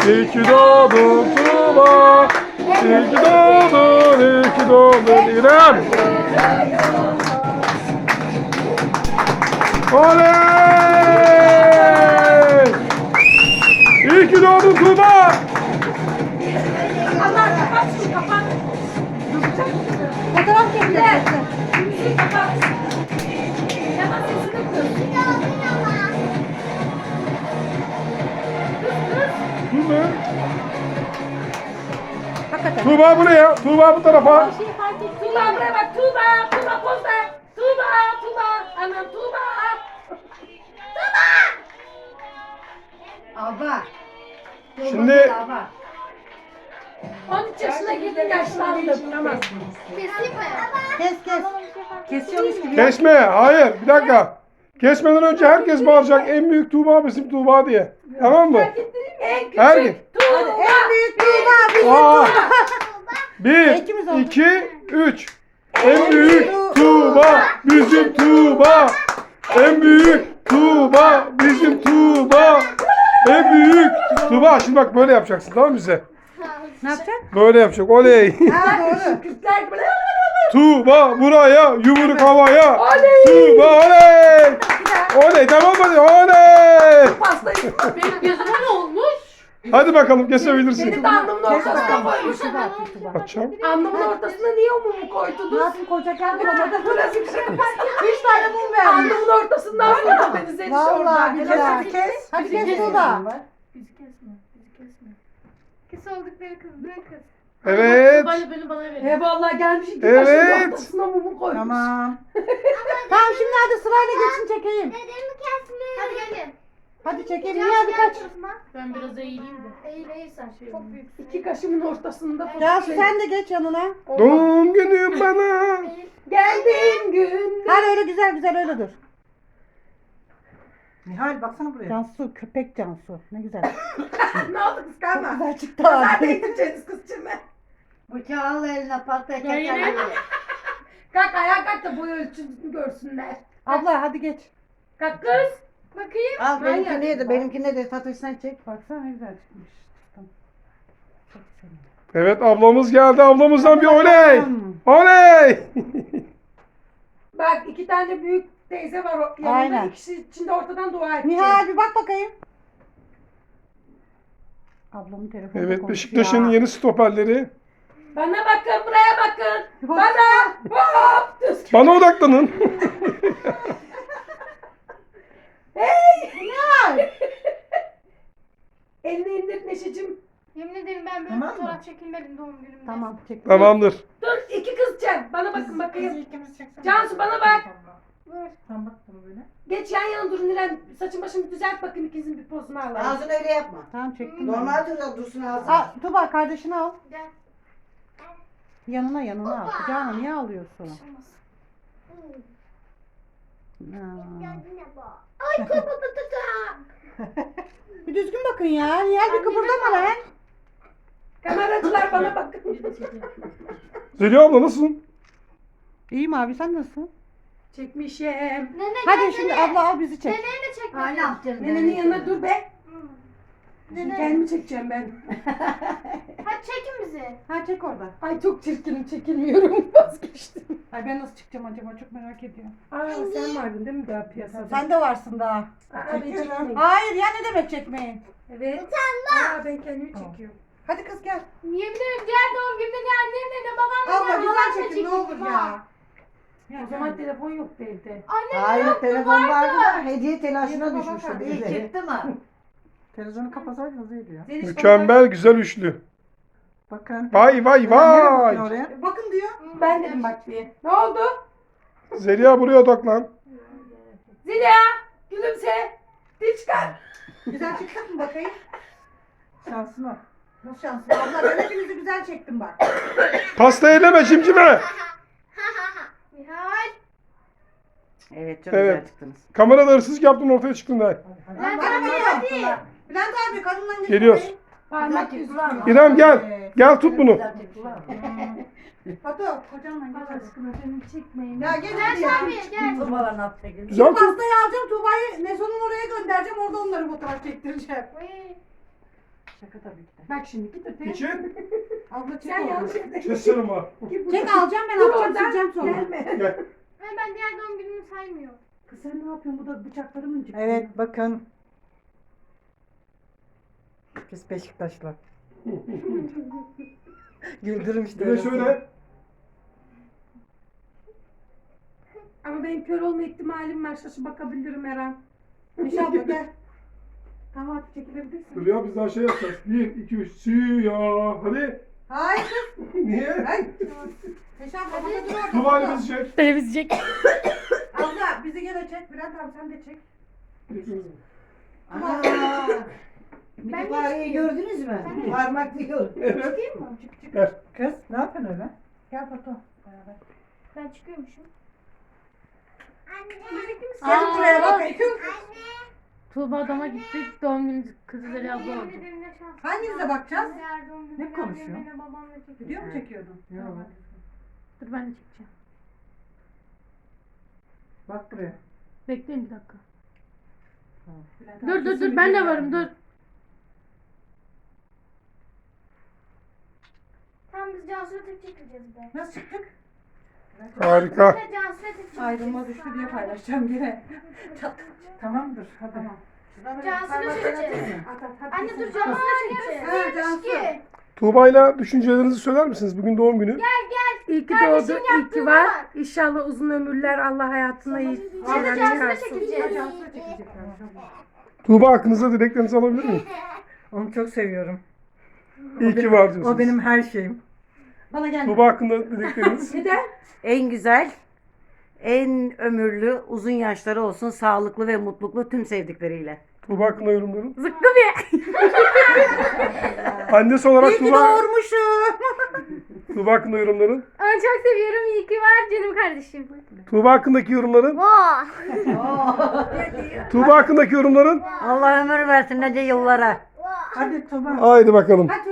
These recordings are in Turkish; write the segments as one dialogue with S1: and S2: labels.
S1: İyi ki doğdun Tuğba. İyi ki doğdun, iyi ki doğdun İrem. Oley! İyi ki doğdun Tuğba.
S2: Allah kapat şunu kapat.
S3: Fotoğraf çekeceğiz.
S2: Müziği kapat. Hemen sesini kız.
S1: Tuğba.
S3: Hakikaten.
S1: Tuğba buraya. Tuğba bu tarafa.
S2: Tuğba buraya bak. Tuğba. Tuğba poz ver. Tuğba. Tuğba. Anam Tuğba.
S3: Abla.
S1: Şimdi
S3: Abla.
S2: 13 yaşına girdin yaşlandım. Tamam.
S3: Kes. Kesiyormuş gibi.
S1: kesme. Hayır. Bir dakika. Kesmeden önce herkes bağıracak. En büyük Tuğba bizim Tuğba diye. Tamam mı?
S2: En küçük
S1: Her gün.
S2: Tuğba.
S3: En büyük Tuğba bizim
S1: Aa.
S3: Tuğba.
S1: Bir,
S3: İkimiz olduk.
S1: 2, 3. En büyük Tuğba bizim Tuğba. En büyük Tuğba bizim Tuğba. En büyük Tuğba. Şimdi bak böyle yapacaksın, tamam mı bize?
S3: Ne yapacaksın?
S1: Böyle yapacak. Oley.
S3: Ha doğru.
S2: Kürtler böyle.
S1: Tuğba buraya, yumruk havaya.
S2: Oley.
S1: Tuğba oley. Oley, tamam mı? Oley.
S2: Pastayı. Benim gözüme ne olmuş?
S1: Hadi bakalım
S2: Benim
S1: kesebilirsin.
S2: de alnımın
S3: Kes
S2: ortasına
S3: bakalım.
S2: koymuşum.
S1: Açacağım.
S2: Alnımın ortasına niye o mumu
S3: Ne
S2: koydunuz?
S3: yapayım kocakken bulamadım.
S2: Burası bir şey.
S3: 3 tane mum vermiş.
S2: Alnımın ortasından vurdu beni Zeliş orada.
S3: Vallahi bir
S2: Helal.
S3: kes. Hadi kes Tuğba.
S4: Bizi kesme, bizi kesme. Kes oldukları kız, bırak kız.
S1: Evet.
S4: Beni bana verin.
S2: Vallahi gelmiş iki
S1: Evet.
S2: taşın ortasına mumu koymuş.
S3: Tamam. Tamam şimdi hadi sırayla geçin çekeyim.
S4: Dedemi kesme. Hadi gelin.
S3: Hadi çekeyim. Niye birkaç?
S4: Ben biraz eğileyim de. Eğil sen. Çok büyük.
S2: İki kaşımın ortasında.
S3: Cansu sen de geç yanına.
S1: Doğum günüm bana.
S2: Geldin gün.
S3: Hadi öyle güzel öyle dur. Nihal baksana buraya. Cansu köpek Cansu. Ne güzel.
S2: Ne oldu kıskanma?
S3: Güzel çıktı
S2: Zaten
S3: abi.
S2: gideceğiz kızcığım.
S5: Bıçağı al eline patlayacak.
S4: Ya yine.
S2: Kalk ayağa kalk da boy ölçüsünü görsünler.
S3: Abla hadi geç.
S2: Kalk kız.
S4: Bakayım.
S5: Al
S2: Manyak.
S5: benimkine de Fatoş sen çek.
S3: Baksana ne güzel çıkmış. Tamam. Çok güzel.
S1: Evet, ablamız geldi. Ablamızdan bir oley.
S3: Hmm.
S1: Oley.
S2: Bak iki tane büyük teyze var yanında.
S3: Aynen.
S2: İkisi içinde ortadan dua edecek.
S3: Nihal bir bak bakayım. Ablamın telefonu
S1: Evet, Beşiktaş'ın yeni stoperleri.
S2: Bana bakın, buraya bakın.
S3: Bak.
S2: Bana. Hop. Düz.
S1: Bana odaklanın.
S2: Hey.
S3: Nihal.
S2: Elini indir Neşeciğim.
S4: Yemin ederim ben böyle
S3: Tamam mı?
S4: fotoğraf çekilmedim doğum günümde.
S3: Tamam çek.
S1: Tamamdır.
S2: Dur iki kızcağım. Bana bakın bakayım.
S3: ikimiz çeksene.
S2: Cansu bana bak.
S4: Dur.
S3: Sen bak bana böyle.
S2: Geç yan yana durun İrem. Saçın başını düzelt bakın ikinizin bir pozunu alalım.
S5: Ağzını öyle yapma.
S3: Tamam çektim.
S5: Normal dursun ağzını.
S3: Aa, Tuba kardeşini al.
S4: Gel.
S3: Yanına al. Kucağına niye alıyorsun?
S4: Olmaz.
S3: Aa.
S2: Ay kıpırdı.
S3: Bir düzgün bakın ya. Nihal bir kıpırdama lan.
S2: Kameracılar bana bakın.
S1: Zeliha abla nasılsın?
S3: İyiyim abi sen nasılsın?
S2: Çekmişim.
S4: Nene
S3: Hadi
S4: gel
S3: şimdi
S4: nene.
S3: abla al bizi çek.
S4: Neneyi de çek.
S5: Hala yaptın.
S2: Nenenin yanına dur be.
S4: Nene.
S2: Kendimi çekeceğim ben.
S4: Hadi çekin bizi.
S3: Ha çek orada.
S2: Ay çok çirkinim çekilmiyorum. Vazgeçtim.
S3: Ay ben nasıl çıkacağım acaba çok merak ediyorum.
S2: Aa sen vardın değil mi daha piyasada?
S3: Sen de varsın daha.
S2: Aa, ben çekmeyeyim.
S3: Hayır ya ne demek çekmeyin.
S2: Evet. Aa ben kendimi çekiyorum.
S3: Hadi kız gel.
S4: Yemin ederim diğer doğum günümde ne annemle ne babamla
S3: Abla
S4: ne
S3: güzel
S4: halamla
S3: çekin ne olur
S4: çekildim
S3: ya.
S4: ha.
S2: O zaman telefon yoktu evde.
S4: Annem
S5: Hayır
S4: yoktu,
S5: telefon
S4: vardı.
S5: vardı da hediye telaşına
S3: Baba
S5: düşmüştür.
S3: bakar.
S5: İyi çıktı mı?
S3: Televizyonu kapatsaydınız iyiydi ya.
S2: Zeliş,
S1: Mükemmel güzel üçlü.
S3: Bakın.
S1: Vay vay vay.
S3: Bakın diyor.
S2: Ben dedim bak diye. Ne oldu?
S1: Zeliha buraya odaklan.
S2: Zeliha gülümse. Dil çıkar.
S3: Güzel çıktık mı bakayım? Şansına. Nasıl şansına? Abla ben hepinizi güzel çektim bak.
S1: Pasta eleme cimcime.
S4: Nihal.
S5: Evet çok
S1: Evet.
S5: güzel çıktınız.
S1: Kamerada hırsızlık yaptın ortaya çıktın da.
S4: Bülent
S3: Bana
S4: abi
S3: ne
S4: hadi.
S3: yaptılar? Bülent abi kadından geç
S1: Geliyoruz.
S3: bakayım.
S2: Parmak yüzü.
S1: İrem gel. Gel tut bunu.
S3: Fatu kocanla geç.
S2: Allah aşkına beni çekmeyin.
S3: Ya geç
S4: Bülent
S3: hadi ya.
S4: abi gel.
S5: Tuğbalar ne yapacak?
S1: Güzel tut.
S3: Pastayı alacağım Tuğba'yı Neso'nun oraya göndereceğim orada onları fotoğraf çektireceğim.
S4: Uy.
S3: Şaka tabii ki de.
S2: Bak şimdi git öteye.
S1: İçin.
S3: Abla çek
S2: Sen
S3: oğlum.
S2: yanlış yere.
S1: Keserim ha.
S3: Çek alacağım ben
S2: Dur
S3: atacağım
S2: oradan.
S3: sileceğim sonra.
S2: Gelme.
S1: Gel.
S4: Ay, ben diğer doğum günümü saymıyorum.
S2: Kız sen ne yapıyorsun? Bu da bıçakları mı çıktı?
S3: Evet bakın. Biz Beşiktaşlı. Güldürüm işte.
S1: Bir de şöyle.
S2: Ama benim kör olma ihtimalim var. Şaşı bakabilirim her an.
S3: İnşallah gel. Tamam artık çekilebilirsin.
S1: Dur ya biz daha şey yapacağız. 1, 2, 3. Siyah. Hadi.
S3: Hayır.
S1: Niye?
S3: Hayır. Eşan babada dur orada.
S1: Tuba ile bizi çek.
S2: Televizyon.
S3: Abla bizi gene çek. Bülent abi sen de çek.
S5: Ana.
S4: Ben de
S5: Mütevareyi gördünüz mü? Parmak diyor.
S1: Evet.
S4: Değil mi?
S1: Ver.
S3: Kız ne yapıyorsun öyle? Gel Foto. Beraber.
S4: Ben çıkıyormuşum.
S3: Gel buraya bak.
S2: Tuğba adama gittik. Doğum günü kızı Zeliha abla oldu.
S4: Yemin ederim ne şans.
S3: Hanginize bakacağız?
S4: Diğer doğum günü
S3: Ne konuşuyor?
S4: annemle babamla çekeceğim.
S3: Video mu çekiyordun?
S1: Yok.
S2: Dur ben de çekeceğim.
S3: Bak buraya.
S2: Bekleyin bir dakika.
S3: Bülent
S2: Dur
S3: abi
S2: dur
S3: kesin
S2: dur ben de
S3: video
S2: varım dur.
S3: yapıyor.
S4: Tamam biz Cansu'ya tek çekeceğiz de.
S3: Nasıl çıktık?
S1: Harika.
S4: Bir de Cansu'ya tek çekeceğiz.
S3: Ayrılma düştü diye paylaşacağım yine. Tamamdır hadi.
S4: Cansu'ya çekeceğiz.
S3: At at hadi.
S4: Anne dur
S3: kesin.
S4: Cansu'ya çekeceğiz.
S3: Ha, Cansu.
S4: Ki.
S1: Tuğba'yla düşüncelerinizi söyler misiniz? Bugün doğum günü.
S2: İyi ki
S4: Kardeşim
S2: doğdu, iyi ki
S4: yaptığına
S2: var.
S4: bak.
S2: İnşallah uzun ömürler Allah hayatına iyi
S4: Şimdi
S2: şeyler
S4: Cansu'ya
S2: çıkarsın.
S4: çekeceğiz.
S3: Cansu'ya çekecekler.
S1: Tuğba hakkınızda dileklerinizi alabilir miyim?
S3: Onu çok seviyorum.
S1: İyi ki var diyorsunuz.
S3: O benim her şeyim. Bana gel.
S1: Tuğba hakkında dilekleriniz.
S2: Neden?
S5: En güzel, en ömürlü, uzun yaşları olsun, sağlıklı ve mutluluklu tüm sevdikleriyle.
S1: Tuğba hakkında yorumların.
S2: Zıkkı bir.
S1: Annesi olarak
S3: İyi ki
S1: Tuğba,
S3: doğurmuşum.
S1: Tuğba hakkında yorumların.
S4: Onu çok seviyorum. İyi ki var canım kardeşim.
S1: Tuğba hakkındaki yorumların.
S4: Vaa.
S1: Tuğba hakkındaki yorumların.
S5: Allah ömür versin nice yıllara.
S3: Hadi Tuba.
S1: Haydi bakalım.
S3: Hadi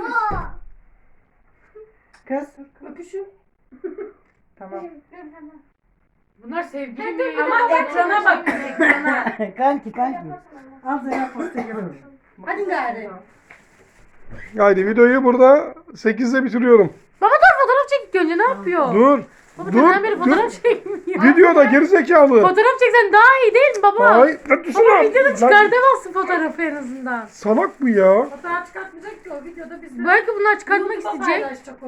S3: Kız.
S2: Öpüşün.
S3: Tamam.
S2: Bunlar sevgili mi? Ama ekrana bak. Ekrana.
S5: Kanki.
S3: Al Zeynep postayı görüyorum. Hadi gari.
S1: Haydi videoyu burada 8'de bitiriyorum.
S2: Baba dur fotoğraf çekik önce ne yapıyor?
S1: Dur.
S2: Baba
S1: Dur.
S2: neden beri
S1: Dur.
S2: fotoğraf çekmiyor?
S1: Videoda gerizekalı.
S2: Fotoğraf çeksen daha iyi değil mi baba?
S1: Hayır. Lan
S2: Baba
S1: dursana.
S2: videoda
S1: Lan,
S2: çıkartamazsın fotoğrafı en azından.
S1: salak bu ya.
S2: Fotoğraf çıkartmayacak ki o videoda biz belki bunlar çıkartmak isteyecek.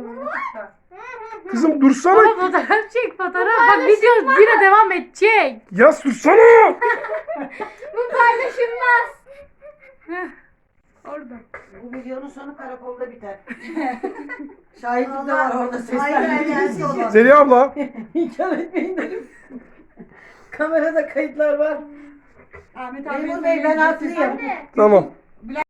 S1: Kızım dursana.
S2: Baba fotoğraf çek fotoğraf. Bak video yine devam edecek.
S1: Yaz dursana.
S4: Bu paylaşılmaz.
S2: Orada.
S5: Bu videonun sonu karakolda biter. Şahitlik de var orada sesler.
S1: Zeliha abla.
S5: İnkar etmeyin dedim. Kamerada kayıtlar var.
S3: Ahmet abi.
S5: Memur Bey ben haklıyım.
S4: Anne.
S1: Tamam.